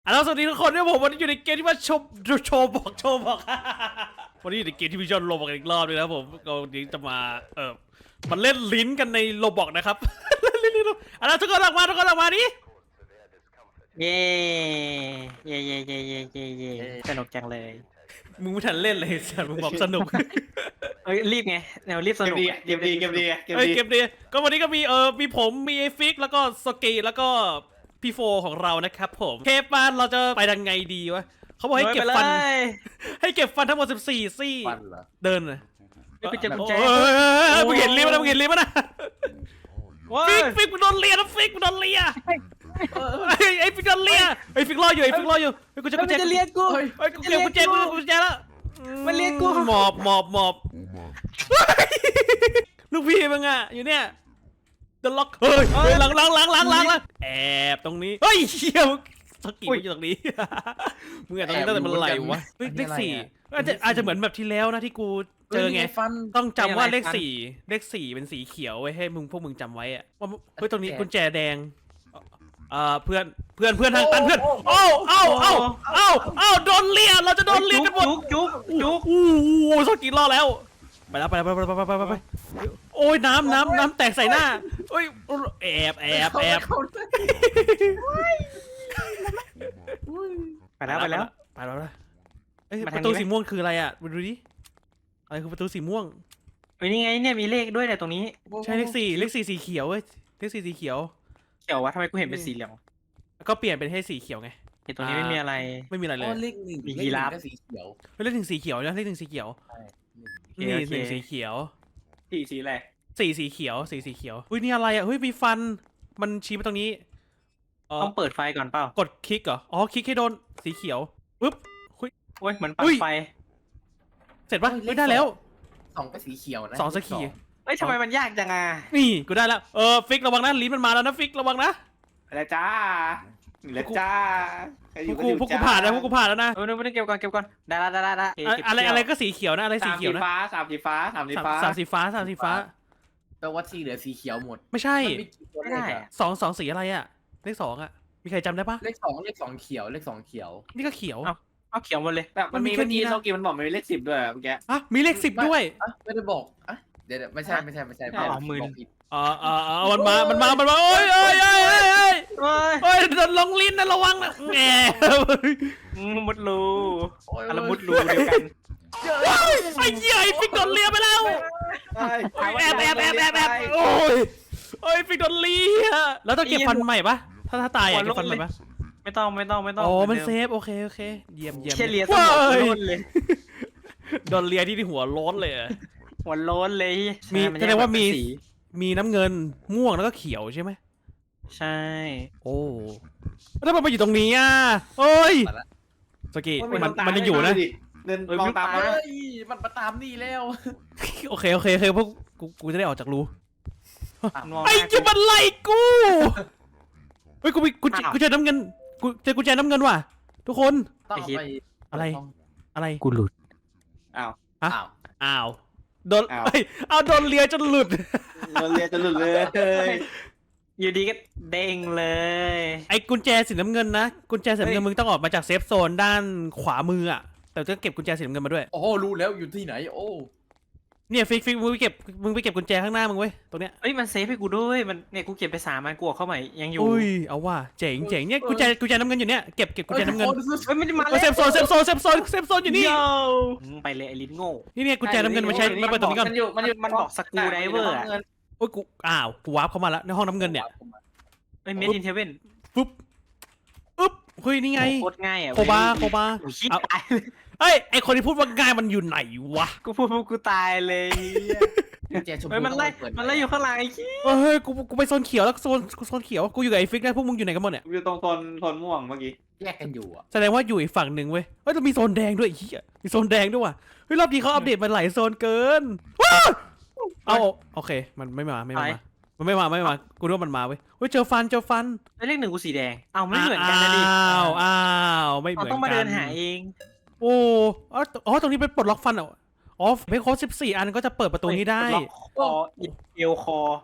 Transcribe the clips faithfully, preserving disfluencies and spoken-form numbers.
อ่ะแล้วสวัสดีทุกคนด้วยผมวันนี้อยู่ในเกมที่ว่าโชว์โชว์บอกโชว์บอก วันนี้อยู่ในเกมที่พี่ชอนโรบอกอีกรอบเลยนะผมก็วันนี้จะมาเออมันเล่นลิ้นกันในโรบอกนะครับ เล่นลิ้นอ่ะแล้วทุกคนออกมาทุกคนออกมาดิเย่เย่เย่เย่เย่เย่เย่สนุกจังเลยมึงไม่ทันเล่นเลยสัตว์มึงบอกสนุกเอ้ยรีบไงแนวรีบสเกมนุกดีเกมดีเกมดีเกมเอ้ยดีเกมดีก็วันนี้ก็มีเออมีผมมีไอฟิกแล้วก็สกีแล้วก็พี่โฟของเรานะครับผมเคปานเราจะไปยังไงดีวะเขาบอกให้เก็บฟัน ให้เก็บฟันทั้งหมดสิบสี่ซี่ฟันเหรอเดินเลยไม่ไปเจอกุญแจเออมึงเห็นลิ้นมั้ยมึงเห็นลิ้นมั้ยนะว้าฟิกฟิกมึงโดนเลียนะฟิกมึงโดนเลียไอ้ไอ้ฟิกโดนเลียไอ้ฟิกรออยู่ไอ้ฟิกรออยู่ไอ้กูจะมันกูจะจะเรียกกูไอ้กูเก็บกุญแจกูกุญแจแล้วมันเรียกกูหมอบหมอบหมอบลูกพี่มึงอ่ะอยู่เนี่ยเดล็อกเฮ้ยหลังหลังหลังหลังหลังแอบตรงนี้เฮ้ยเชี่ยสกีมันอยู่ตรงนี้มึงแอบตรงนี้ตั้งแต่เมื่อไหร่วะเลขสี่อาจจะอาจจะเหมือนแบบที่แล้วนะที่กูเจอไงฟันต้องจำว่าเลขสี่เลขสี่เป็นสีเขียวไว้ให้มึงพวกมึงจำไว้อะว่าเฮ้ยตรงนี้กุญแจแดงเอ่อเพื่อนเพื่อนเพื่อนทางตันเพื่อนโอ้เอ้าเอ้าเอ้าเอ้าโดนเลียเราจะโดนเลียกันหมดจุกจุกจุกโอ้โหสกีรอแล้วไปแล้วไปแล้วไปไปไปไปไปโอ้ยน้ำน้ำน้ำแตกใส่หน้าโอ้ยแอบแอบแอบไปแล้วไปแล้วไปแล้วนะเอ้ยมาปทางระตูนี้ไหมสีม่วงคืออะไรอ่ะดูดิอะไรคือประตูสีม่วงเฮ้ยนี่ไงเนี่ยมีเลขด้วยเนี่ยตรงนี้ใช่เลขสี่เลขสี่สีเขียวเว้ยเลขสี่สีเขียวเขียววะทำไมกูเห็นเป็นสีเหลืองก็เปลี่ยนเป็นให้สีเขียวไงเห็นตรงนี้ไม่มีอะไรไม่มีอะไรเลยเลขหนึ่งมียีราฟเลขหนึ่งก็สีเขียวเฮ้ยเลขหนึ่งสีเขียวนะเลขหนึ่งสีเขียวโอเคนี่โอเคหนึ่งสีเขียวสีสีอะไรสี่สีเขียวสี่สีเขียวอุ้ยนี่อะไรอ่ะเฮ้ยมีฟันมันชี้มาตรงนี้เออต้องเปิดไฟก่อนเปล่ากดคลิกเหรออ๋อคลิกให้โดนสีเขียวปึ๊บเฮ้ยโอ้ยเหมือนปัอุ้ดยไฟเสร็จปะไม่ได้แล้วสองก็สีเขียวนะสองสกีเอ้ยทำไมมันยากจังอ่ะนี่กูได้แล้วเออฟิกระวังนะลิ้นมันมาแล้วนะฟิกระวังนะอะไรจ้าแล้วจ้าพวกกูพวกกูผ่านแล้วพวกกูผ่านแล้วนะเออไม่ได้เก็บก่อนเก็บก่อนได้ละได้ละได้ละอะอะไรอะไรก็สีเขียวนะอะไรสีสามเขีสียวนะฟ้าสามสีฟ้าสามสีสามฟ้าสามสีฟ้าสามสีฟ้าแปลว่าที่เหลือสีเขียวหมดไม่ใช่มันมีกี่ตัวไม่เลได้ขอะอะสองสองสีอะไรอ่ะเลขสองอ่ะมีใครจำได้ปะเลขสองเลขสองเขียวเลขสองเขียวนี่ก็เขียวเอาเขียวหมดเลยแบบมันมีมันมีแค่เมื่อนี้กี้นะโซกีมันบอกมันมีเลขสิบด้วยเมื่อกี้อ่ะมีเลขสิบด้วยอ่ะไม่ได้บอกอ่ะเดี๋ยวๆไม่ใช่ไม่ใช่ไม่ใช่อ๋อหมื่นบอกผิดอ๋ออ๋ออ๋อมันมา มันมา มันมาโอ้ยโอ้ยโอ้ยโอ้ยโอ้ยเฮ้ยโอ้ยโดนลงลิ้นนะระวังนะแหมอืมมุดรูโอ้ยอะไรมุดรูเดียวกันไอ้เหี้ยไอ้ฟิกโดนเลียไปแล้วใช่โอ้ยแอบแอบแอบแอบแอบโอ้ยโอ้ยฟิกโดนเลียแล้วต้องเก็บฟันใหม่ปะถ้าถ้าตายอ่ะเก็บฟันใหม่ปะไม่ต้องไม่ต้องไม่ต้องอ๋อมันหเซดิฟโอเคโอเคเยี่ยมเยี่ยมเชี่ยเลียสว้ามองยโล้นเลยโดนเลียที่ที่หัวโล้นเลยอะหัวโล้นเลยมีใช่นแสดงว่ามีแยกแบบเป็นสีมีน้ำเงินม่วงแล้วก็เขียวใช่ไหมใช่โอ้แล้วมันมาอยู่ตรงนี้อ่ะโอ้ยสกีโอ้ยมันตามันยังอยู่นะดิเดินมองตามเอ้เฮ้ยยมันมาตามนี่แล้วโอเคโอเคโอเคพวกกูกูจะได้ออกจากรูมองหไอ้น้าจะมันไล่กูเฮ้ยกูมีกูเจอ้าวกูเจอน้ำเงินกูเจอกุญแจน้ำเงินว่ะทุกคนต้องเอาไปอะไร อะไรกูหลุดอ้าวฮะอ้าวอ้าวโดนอ้าวเอ้ยเอาโดนเลียจนหลุดเราเรียนจะหลุดเลยอยู่ดีก็เด้งเลยไอ้กุญแจสีน้ำเงินนะกุญแจสีน้ำเงินมึงต้องออกมาจากเซฟโซนด้านขวามืออ่ะแต่ต้องเก็บกุญแจสีน้ำเงินมาด้วยโอ้รู้แล้วอยู่ที่ไหนโอ้เนี่ยฟิกฟิกมึงไปเก็บมึงไปเก็บกุญแจข้างหน้ามึงเว้ยตรงเนี้ยเอ้ยมันเซฟให้กูด้วยมันเนี่ยกูเก็บไปสามมันกูออกเข้าใหม่ยังอยู่อุ้ยเอาว่ะเจ๋งเจ๋งเนี่ยกุญแจกุญแจน้ำเงินอยู่เนี่ยเก็บเก็บกุญแจน้ำเงินเฮ้ยไม่ได้มาเออเซฟโซนเซฟโซนเซฟโซนเซฟโซนอยู่นี่โย่อืมไปเลยไอ้ลิ้นโง่นี่เนี่ยกุญแจน้ำเงินมาใช้มาเปิดตรงนี้ก่อนมันอยู่มันอยู่มันบอกสกรูไดเวอร์อะโอ้ยกูอ้าวกูวาร์ปเข้ามาแล้วในห้องน้ำเงินเนี่ยเอ้ยเมดอินเทเว่นปุ๊บปุ๊บเฮ้ยนี่ไงโคตรง่ายอ่ะโคบาโคบาโอ้ยชิบเอาตายเลยเอ้ยไอคนที่พูดว่าง่ายมันอยู่ไหนวะกูพูดพวกกูตายเลยเจชมพูเฮ้ยมันไล่ต้องปเปิดมันไล่อยู่ข้างหลังไอ้ขี้เฮ้ยกูกูไปโซนเขียวแล้วโซนโซนเขียวกูอยู่กับไอ้ฟิกได้พวกมึงอยู่ไหนกันหมดเนี่ยอยู่ตรงโซนโซนม่วงเมื่อกี้แยกกันอยู่อ่ะแสดงว่าอยู่อีกฝั่งหนึ่งเว้ยเฮ้ยต้องมีโซนแดงด้วยไอ้เหี้ยมีโซนแดงด้วยว่ะเฮ้ยรอบนี้เขาอัปเดตมาหลายโซนเกินว้าวเอาโอเคมันไม่มาไม่มามันไม่มาไม่มากูรู้ว่ามันมาเว้ยเฮ้ยเจอฟันเจอฟันแล้วเลขหนึ่งกูสีแดงเอ้าไม่เหมือนกันนะดิอ้าวอ้าวไม่เหเรามือนกันต้องมาเดินหาเองโอ้อ๋ออ๋อตรงนี้เป็นปลดล็อกฟันเหรออ๋อเพคโค้ดสิบสี่อันก็จะเปิดประตูนี้ได้ล็อกคอเอวคอ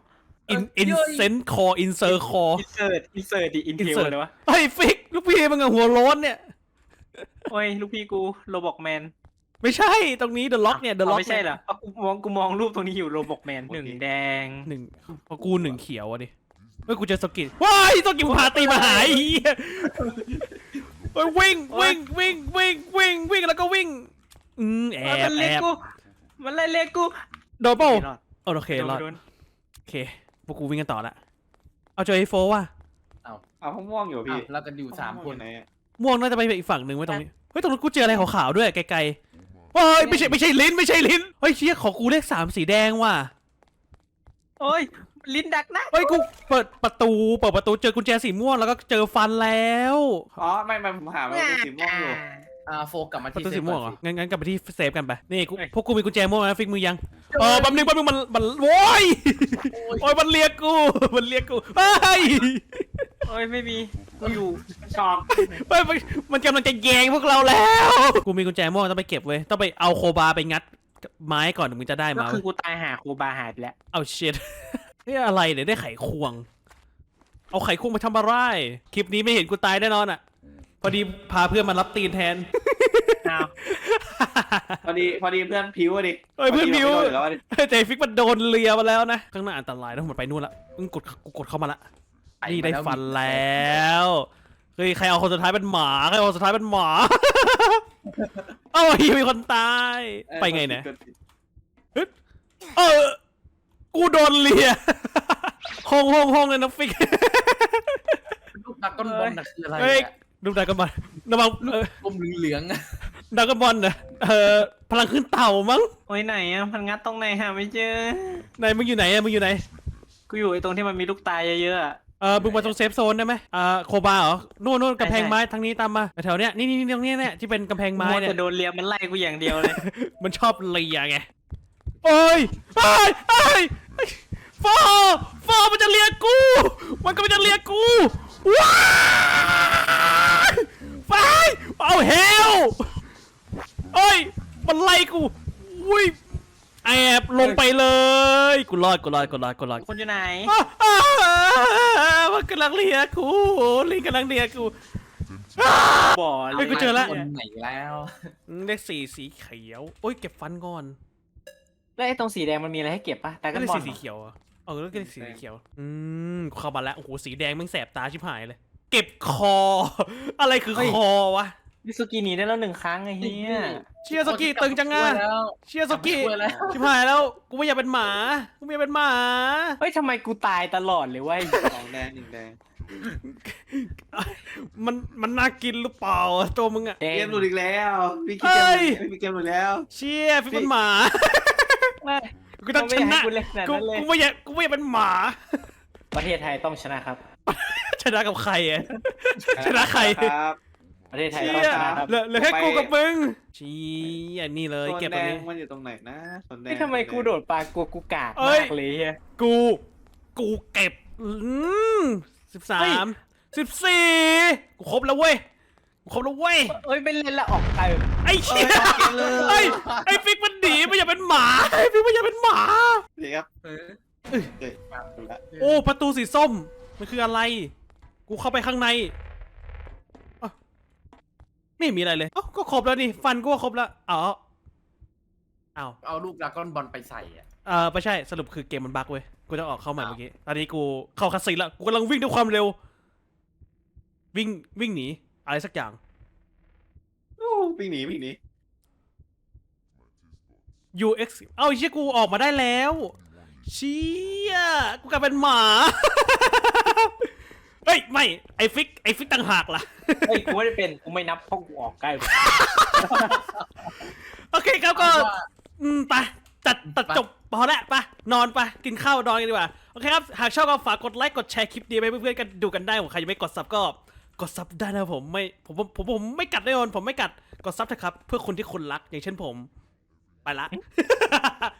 อินอินเซนคออินเซอร์คออินเสิร์ตอินเสิร์ตดิอินเทลเลยวะเฮ้ยฟิกลูกพี่มึงอะหัวโล้นเนี่ยโอ้ยลูกพี่กูโรบอกแมนไม่ใช่ตรงนี้เดอะล็อกเนี่ยเดอะล็อกไม่ใช่เหรอเอากูมองกูมองรูปตรงนี้อยู่โรบอกแมนหนึ่งแดงหนึ่งพอกูหนึ่งเขียวอะดิเฮ้ยกูเจอสกิลว้ายสกิลพาตีมาหายเหี้ยเฮ้ยวิ่งวิ่งวิ่งวิ่งวิ่งวิ่งแล้วก็วิ่งอืมแอมับนแอเล็กบกูมันไล่เล็กกูโดนเปล่าไม่รอดโอเครอดโดนโอเคพวกกูวิ่งกันต่อละเอาเจอไอโฟว่ะเอาห้องม่วงอยู่พี่เรากันอยู่สามคนไหนม่วงน่าจะไปอีกฝั่งหนึ่งไว้ตรงนี้เฮ้ยตรงนั้นกูเจออะไรขาวๆด้วยไกลๆเฮ้ยไม่ใช่ไม่ใช่ลิ้นไม่ใช่ลิ้นเฮ้ยเชี่ยขอกูเลขสามสีแดงว่ะโอ้ยลิ้นดักนะเฮ้ยกูเปิดประตูเปิดประตูเจอกุญแจสีม่วงแล้วก็เจอฟันแล้วอ๋อไม่ไม่ผมหามันเป็นสีม่วงอยู่อ่าโฟกลับมาประที่ตูสีม่วงเหรอเซฟงั้นงั้นกลับไปที่เซฟกันไปนี่กูพวกกูมีกุญแจม่วงนะฟิกมือยังเออแป๊บนึงแป๊บนึงมันมันโว้ยโอ้ยมันเรียกกูมันเรียกกูเฮ้ยโอ้ยไม่มีกูอยู่ชอบเฮ้ยมันมันกำลังจะแยงพวกเราแล้วกูมีกุญแจม่วงต้องไปเก็บเว้ยต้องไปเอาโคบาไปงัดไม้ก่อนถึงมึงจะได้ก็มาคือกูตายหาครูบาหายไปแล้วเอาเช็ด นี่อะไรเนี่ยได้ไขควง เอาไขควงมาทำอะไรคลิปนี้ไม่เห็นกูตายแน่นอนอ่ะ พอดีพาเพื่อนมารับตีนแทนอ้าวพอดีพอดีเพื่อนพิวอะดิเฮ้ยเพื่อนพิวพดีราไม่โดนอยู่แล้วอะดิเจฟิกมันโดนเลียมาแล้วนะข้างหน้าอันตรายต้องหมดไปนู่นละมึงกดกูกดเข้ามาละไปนี่มาได้แล้วฟันแล้วเฮ้ยใครเอาคนสุดท้ายเป็นหมาใครเอาคนสุดท้ายเป็นหมา เอ้าเฮียมีคนตายไปไงเนี่ยเออกูโดนเลีย ห้องห้องห้องเลยนะฟิกลูกดักก้อนบอลน่ะคืออะไรเฮ้ยอะดูดรากันบอลระวังเออกลมเหลืองๆอะดรากันบอลนะเออพลังขึ้นเต่ามั้งโอ้ยไหนอ่ะพันงัดตรงไหนหาไม่เจอไหนมึงอยู่ไหนอะมึงอยู่ไหนกูอยู่ไอ้ตรงที่มันมีลูกตายเยอะๆอะเออมึงมาตรงเซฟโซนได้ไหมอ่าโคบาเหรอนู่นนู่นกำแพงไม้ทางนี้ตามมาแถวเนี้ยนี่นี่นี่ตรงเนี้ยเนี่ยที่เป็นกำแพงไม้มัวเนี่ยแต่โดนเลียมันไล่กูอย่างเดียวเลยมันชอบเลียไงโอ้ยไอ้ไอ้ฟอฟอมันจะเลียกู มันก็มันจะเลียกูว้ายไฟเอาเฮลเอ้ยมันไล่กูอุ้ยแอบลงไปเลยกูรอดกูรอดกูรอดกูรอดคนอยู่ไหนอ้าอ้ามันกำลังเลียกูลิงกำลังเลียกูบ่อเฮ้ยกูเจอแล้วคนไหนแล้วเลขสี่สีเขียวโอ้ยเก็บฟันก่อนแล้วไอ้ตรงสีแดงมันมีอะไรให้เก็บปะแต่ก็กันเลขบอลสีสีเขียวอ่ะเออแล้วก็เลขสีสีเขียวอืมเข้ามาแล้วโอ้โหสีแดงแมันแสบตาชิบหายเลย เก็บคอ อะไรคือคอวะมิสุกิหนีได้แล้วหนึ่งครั้งไอ้เหี้ยเชียร์สกิตึงจังงะแล้วเชียร์สกิช่วยแล้วชิบหายแล้วกูไม่อยากเป็นหมากูไม่อยากเป็นหมาเฮ้ยทำไมกูตายตลอดเลยเวะสองแดงหนึ่งแดงมันมันน่ากินหรือเปล่าตัวมึงอะแดเกงมหลุดอีกแล้วพี่คิดเฮ้เกมยพี่เกมหลุดแล้วเชียร์ฟิกเป็นหมาไม่กูต้องชนะกูเล่นขนาดกูนั้นเลยกูไม่อยากกูไม่อยากเป็นหมาประเทศไทยต้องชนะครับชนะกับใครอะ ชนะใครครับประเทศไทยเชี่ต้องยชนะครับเหลือเหลือแค่กูกับมึงเชี้อันนี้เลยโซนเก็บแดตรงงนี้มันอยู่ตรงไหนนะโซนแดงเฮ้ยทำไมกูโดดปลากลัวกูกากเอ้ยมากเลยเฮียกู กูเก็บอืมสิบสาเฮ้ยมสิบสี่กูครบแล้วเว้ยกูครบแล้วเว้ยเอ้ยไม่เล่นละออกไปไอ้เชี่ยไอ้ไอ้ฟิกมันหนีไม่อยากเป็นหมาไอ้ฟิกไม่อยากเป็นหมาดีครับเออเอ้ยมาดูละโอ้ประตูสีส้มมันคืออะไร กูเข้าไปข้างในอ้าวไม่มีอะไรเลยเอ้าก็ครบแล้วนี่ฟันกูก็ครบแล้วอ๋ออ้าวเอาลูกดักก้อนบอลไปใส่อะเออไม่ใช่สรุปคือเกมมันบั๊กเว้ยกูจะออกเข้าใหม่เมื่อกี้ตอนนี้กูเข้าคัสซีนแล้วกูกำลังวิ่งด้วยความเร็ว วิ่งวิ่งหนีอะไรสักอย่างโอ้วิ่งหนีวิ่งหนียู เอ็กซ์ เอ้าไอ้เชี่ยกูออกมาได้แล้วเชี่ยกูกลายเป็นหมา เฮ้ยไม่ไอฟิกไอฟิกต่างหากล่ะเฮ้ยกูไม่ได้เป็นกูไม่นับเพราะกูออกใกล้โอเคครับก็อืมไปตัดตัดจบพอแล้วไปนอนไปกินข้าวนอนกันดีกว่าโอเคครับหากชอบก็ฝากกดไลค์กดแชร์คลิปนี้ไปเพื่อนๆกันดูกันได้ผมใครยังไม่กดซับก็กดซับได้นะผมไม่ผมผมผมผมไม่กัดแน่นอนผมไม่กัดกดซับเถอะครับเพื่อคนที่คุณรักอย่างเช่นผมไปละ